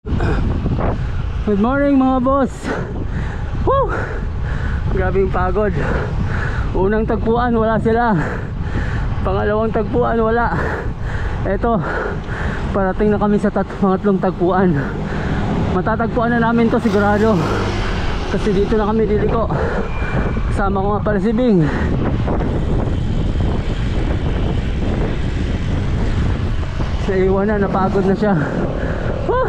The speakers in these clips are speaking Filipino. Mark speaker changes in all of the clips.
Speaker 1: Good morning mga boss. Woo! Grabing pagod. Unang tagpuan wala sila. Pangalawang tagpuan wala. Eto, parating na kami sa pangatlong tagpuan. Matatagpuan na namin to sigurado. Kasi dito na kami diliko. Kasama ko nga pala si Bing. Naiwan na, napagod na siya. Woo!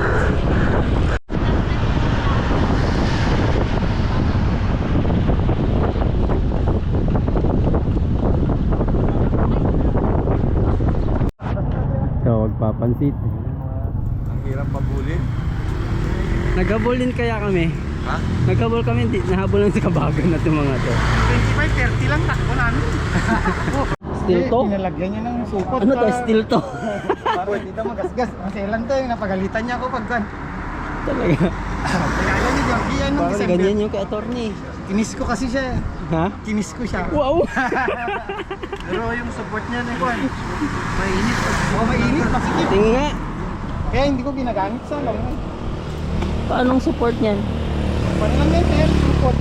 Speaker 1: Papansit.
Speaker 2: Ang hirap pabulin.
Speaker 1: Naghabulin kaya kami.
Speaker 2: Ha?
Speaker 1: Naghabol kami, nahabol lang sa kabagan na itong mga to.
Speaker 2: 25-30 lang takbo namin.
Speaker 1: Steel to?
Speaker 2: Pinalagyan niya ng supot.
Speaker 1: Ano to? Steel to?
Speaker 2: Para dito magasgas. Maselan to yung napagalitan niya ako pagkan.
Speaker 1: Talaga.
Speaker 2: Kaya niya yung iyan nung
Speaker 1: Parang
Speaker 2: December.
Speaker 1: ganyan yung ka-attorney.
Speaker 2: Kinis ko kasi siya.
Speaker 1: Ha?
Speaker 2: Kinis ko siya.
Speaker 1: Wow!
Speaker 2: Pero yung support niya na yun. Mainit. Oo, mainit. Masikip.
Speaker 1: Tingin nga.
Speaker 2: Kaya hindi ko ginagamit sa lang.
Speaker 1: Paanong support niyan?
Speaker 2: Paano lang yan, sir? Support.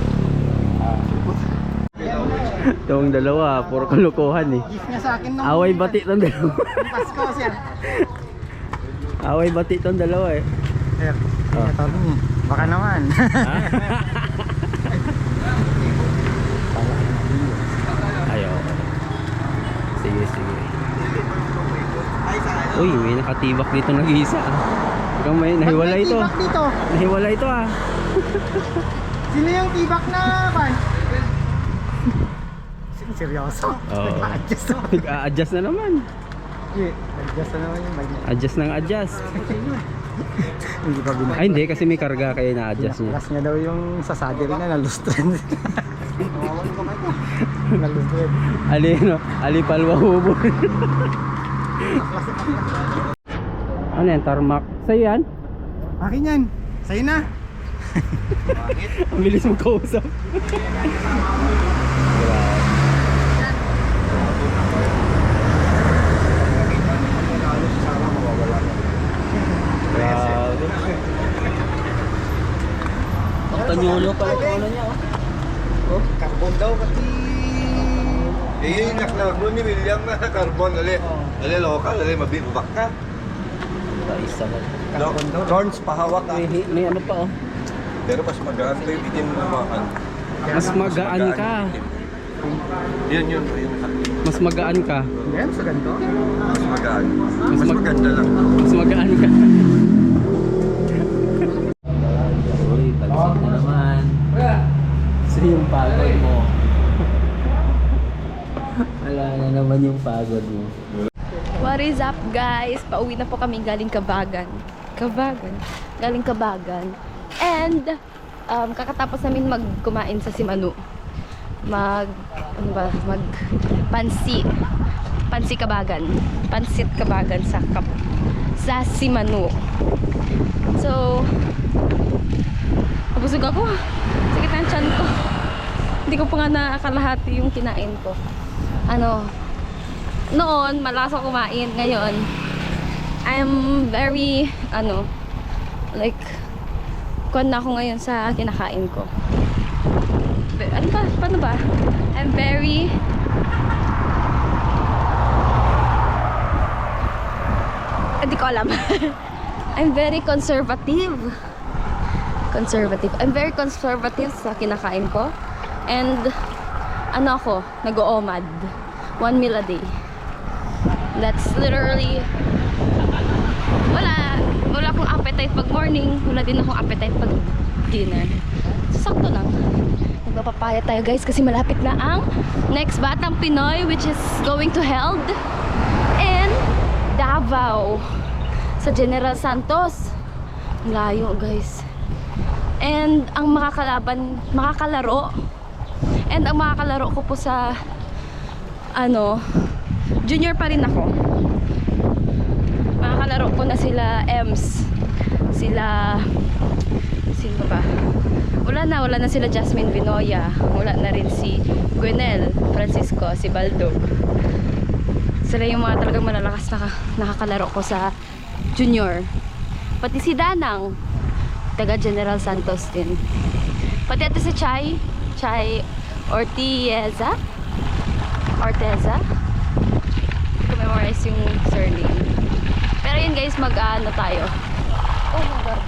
Speaker 1: Itong dalawa, puro kalokohan eh.
Speaker 2: Gift niya sa akin nung
Speaker 1: Away bati itong dalawa.
Speaker 2: nung Pasko, sir.
Speaker 1: Away bati itong dalawa eh.
Speaker 2: Sir,
Speaker 1: Oh.
Speaker 2: ito niya. Baka naman.
Speaker 1: Ayaw. Sige, sige. Uy, may nakatibak dito nag-iisa ah. Hanggang may nahiwalay ito.
Speaker 2: Tibak dito.
Speaker 1: Nahiwalay ito ah.
Speaker 2: Sino yung tibak na pan? Seryoso?
Speaker 1: Oo.
Speaker 2: Nag-adjust na.
Speaker 1: Nag-a-adjust na naman.
Speaker 2: Nag-adjust na naman yung bike niya.
Speaker 1: Adjust ng adjust.
Speaker 2: Hindi pa binag.
Speaker 1: Ay hindi, kasi may karga kaya na-adjust niya.
Speaker 2: Last niya daw yung sa saddle na nalustren. Nalustren.
Speaker 1: Ali, no? Ali palwa hubon. Ano yan? Tarmac? Sa'yo yan?
Speaker 2: Akin yan. Sa'yo na.
Speaker 1: Ang bilis mong kausap. Grabe. Ang tanyolo pala ito ano niya oh.
Speaker 2: Carbon daw kasi.
Speaker 3: Eh, yung naklaro ni William na carbon, ali local, ali mabibak ka.
Speaker 1: Isa na.
Speaker 3: Thorns pahawak ka.
Speaker 1: May ano pa oh.
Speaker 3: Pero mas magaan pa yung bitin mo naman.
Speaker 1: Mas magaan ka.
Speaker 3: Yun.
Speaker 1: Mas magaan ka.
Speaker 2: Yan, sa ganito.
Speaker 3: Mas magaan. Mas
Speaker 1: mag-
Speaker 3: maganda lang.
Speaker 1: Mas magaan ka. Uy, talisod na naman. So yung pagod mo. Wala na naman yung pagod mo.
Speaker 4: What is up guys? Pauwi na po kami galing Kabagan. Galing Kabagan. And kakatapos namin magkumain sa Simanu. Mag Pansi Kabagan. Pansit Kabagan sa Simanu. So nabusog ako. Sakit ang tiyan ko. Hindi ko pa nga nakakalahati yung kinain ko. Noon, malakas ako kumain. Ngayon, I'm very, like, kuwan na ako ngayon sa kinakain ko. Ano ba? Paano ba? I'm very, hindi ko alam. I'm very conservative. I'm very conservative sa kinakain ko. And, ako, nag-oomad. 1 meal a day. That's literally wala akong appetite pag morning, wala din akong appetite pag dinner. So, sakto lang. Magpapapaya tayo guys kasi malapit na ang next Batang Pinoy which is going to held in Davao sa General Santos. Layo guys. And ang makakalaro ko po sa junior pa rin ako. Makakalaro ko na sila Ems, sino ba? Wala na sila Jasmine Vinoya, wala na rin si Gwenel Francisco, si Baldog. Sila yung mga talagang malalakas na nakakalaro ko sa junior. Pati si Danang, taga General Santos din. Pati ito si Chay Orteza. Memorize yung surname. Pero yun guys, mag-ano tayo. Oh my God.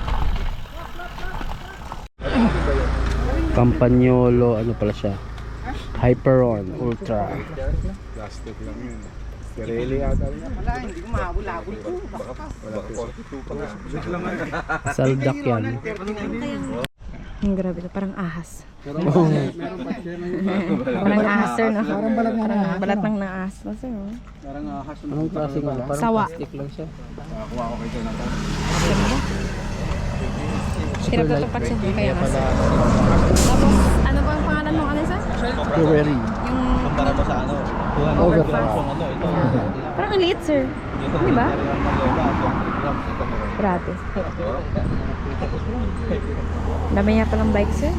Speaker 1: Campagnolo, ano pala siya? Hyperon Ultra.
Speaker 3: Plastic lang yun. Pirelli ata rin.
Speaker 2: Wala, hindi ko mahabol-habol to.
Speaker 3: Baka 42 pa nga.
Speaker 1: Saldak yan.
Speaker 4: Grabe to, parang ahas. Parang ahas sir, no?
Speaker 2: Parang balat nga na.
Speaker 4: Balat ng naahas no, sir. No?
Speaker 2: Parang ahas.
Speaker 1: Anong klase nga? Parang
Speaker 4: Sawa.
Speaker 1: plastic lang siya.
Speaker 3: Nakakuha ko kayo na.
Speaker 4: Hirap na tapat siya. Kaya mas. Tapos, ano ba ang pangalan mo? Ano sir?
Speaker 1: Pirelli.
Speaker 4: Yung
Speaker 3: Para mo sa ano?
Speaker 1: Overpass.
Speaker 4: parang ang liit sir. Di ba? Grabe. Dami niya palang bike sir.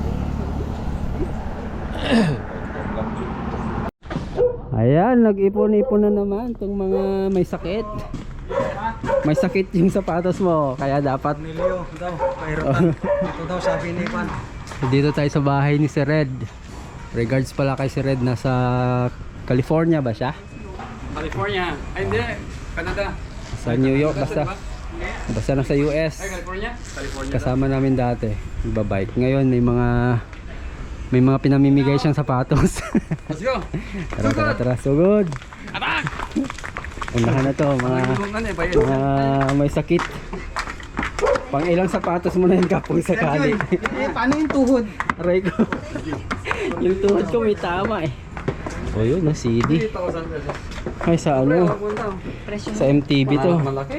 Speaker 1: Ayan, nag-ipon-ipon na naman itong mga may sakit. May sakit yung sapatos mo, kaya dapat
Speaker 2: Nilio daw, pahirapan. Ito daw sabi ni Juan.
Speaker 1: dito tayo sa bahay ni si Red. Regards pala kay si Red, nasa California ba siya?
Speaker 5: California. Ay, hindi. Canada.
Speaker 1: Sa New York, basta nasa US.
Speaker 5: California? California.
Speaker 1: Kasama namin dati, nagbabike. Ngayon may mga pinamimigay siyang sapatos.
Speaker 5: Let's go.
Speaker 1: Tara, sugod.
Speaker 5: Atak!
Speaker 1: Unahan na to, mga may sakit. Pang ilang sapatos mo na yun kapong sakali.
Speaker 2: Paano yung tuhod?
Speaker 1: Aray ko. Yung tuhod ko may tama eh. O yun, na CD.
Speaker 5: 3,000 pesos.
Speaker 1: Ay, sa ano? Sa MTV to.
Speaker 5: Malaki.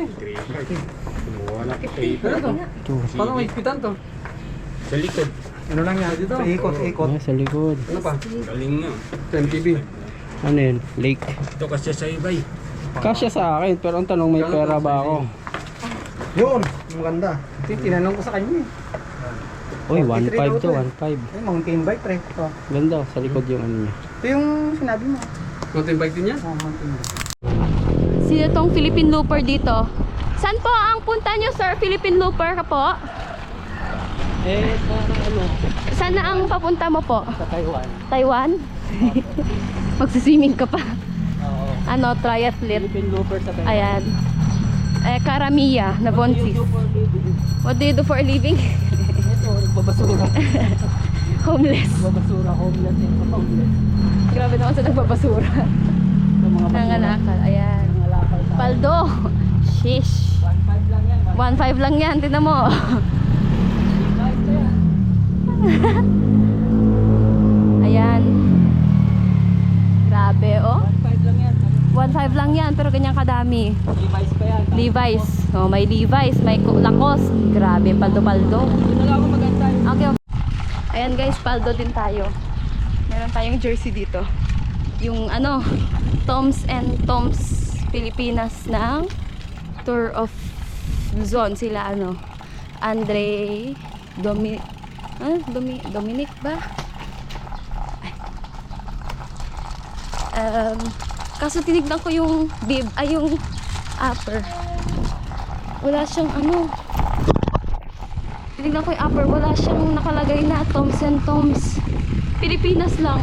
Speaker 5: Paano may ipitan to? Sa likod.
Speaker 2: Ano lang yan? Dito. Ikot.
Speaker 1: Ay, sa likod.
Speaker 5: Ano pa? Galing nga. Sa MTV.
Speaker 1: Ano yun? Lake.
Speaker 5: Ito kasi sa ibay.
Speaker 1: Kasya sa akin, pero ang tanong, may pera ba ako?
Speaker 2: Yun, maganda. Tinanong ko sa kanya eh.
Speaker 1: Uy, 1.5 to, 1.5.
Speaker 2: Ay, mountain bike, pre. Ito.
Speaker 1: Ganda, sa likod yung ano niya.
Speaker 2: Ito yung sinabi mo.
Speaker 5: Mountain bike din yan?
Speaker 2: Oh, mountain bike.
Speaker 4: Sino tong Philippine Looper dito? Saan po ang punta nyo sir? Philippine Looper ka po?
Speaker 1: Sa ano?
Speaker 4: Saan na ang papunta mo po?
Speaker 1: Sa Taiwan.
Speaker 4: Taiwan? Magsiswimming ka pa.
Speaker 1: Oo.
Speaker 4: Ano, triathlete.
Speaker 1: Philippine Looper sa Taiwan.
Speaker 4: Ayan. Karamiya na Bonsis. What do you do for a living?
Speaker 1: Ito, nagbabasura.
Speaker 4: Homeless.
Speaker 1: Nagbabasura, homeless yung homeless.
Speaker 4: Grabe naman sa nagbabasura.
Speaker 1: Sa mga
Speaker 4: Nangalakal. Ayan.
Speaker 1: Nangalakal tayo.
Speaker 4: Paldo. Shish.
Speaker 1: 1.5 lang yan.
Speaker 4: 1.5 lang yan. Tignan mo. Ayan. Grabe, oh.
Speaker 1: 1.5 lang yan.
Speaker 4: 1.5 lang yan, pero ganyan kadami.
Speaker 1: Device pa yan.
Speaker 4: Levi's. Oh, may Levi's, may Lacoste. Grabe, paldo-paldo.
Speaker 1: Doon na lang ako magantay.
Speaker 4: Okay. Ayan guys, paldo din tayo. Meron tayong jersey dito. Yung ano, Toms and Toms Pilipinas ng Tour of Luzon. Sila ano, Dominic ba? Kaso tinignan ko yung bib, yung upper. Wala siyang ano. Tinignan ko yung upper, wala siyang nakalagay na Toms and Toms. Pilipinas lang.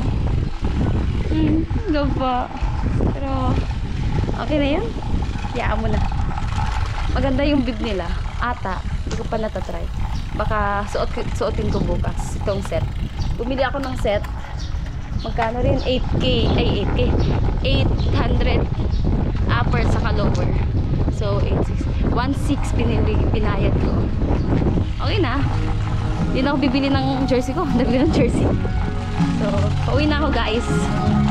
Speaker 4: Gaba. Pero, okay na yun. Yaan mo na. Maganda yung bib nila. Ata. Hindi ko pa natatry. Baka suotin ko bukas itong set. Bumili ako ng set. Magkano rin? 8K. Ay, 8K. 800 upper saka lower. So, 1.6 pinayad ko. Okay na. Hindi na ako bibili ng jersey ko. Nagbili ng jersey. So, pauwi na ako guys.